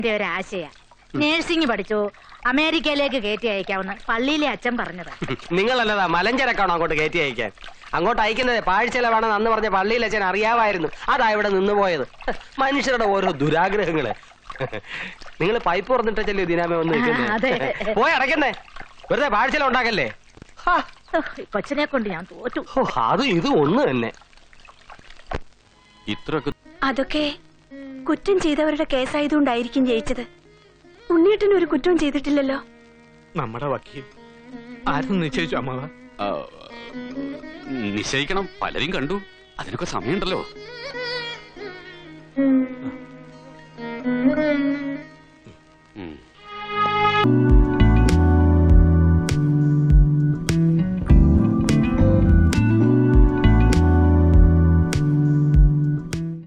ഒരാശയ nursing പഠിച്ചു അമേരിക്കയിലേക്ക് കയറ്റി അയക്കാവുന്ന പള്ളിയിലെ അച്ഛൻ പറഞ്ഞതാ. നിങ്ങളല്ലതാ മലഞ്ചരക്കാണോ അങ്ങോട്ട് കയറ്റി അയക്കാൻ? അങ്ങോട്ട് അയക്കുന്നത് പാഴ്ചെലവാണെന്ന് അന്ന് പറഞ്ഞ പള്ളിയിലെ അച്ഛൻ അറിയാമായിരുന്നു. അതാ ഇവിടെ നിന്ന് പോയത്. മനുഷ്യരുടെ ഓരോ ദുരാഗ്രഹങ്ങള്. നിങ്ങൾ പൈപ്പ് തുറന്നിട്ടല്ലേ ദിനാമേ ഒന്ന് പോയി അടയ്ക്കുന്നേ. വെറുതെ പാഴ്ചെലവ് ഉണ്ടാക്കല്ലേ. കൊച്ചിനെ കൊണ്ട് ഞാൻ തോറ്റു. അത് ഇത് ഒന്ന് തന്നെ. അതൊക്കെ കുറ്റം ചെയ്തവരുടെ കേസായതുകൊണ്ടായിരിക്കും ജയിച്ചത്. ഉണ്ണിയേട്ടൻ ഒരു കുറ്റവും ചെയ്തിട്ടില്ലല്ലോ. നമ്മുടെ വക്കീൽ ആരും നിശ്ചയിച്ചു അമ്മാവ? നിശ്ചയിക്കണം, പലരും കണ്ടു. അതിനൊക്കെ സമയമുണ്ടല്ലോ.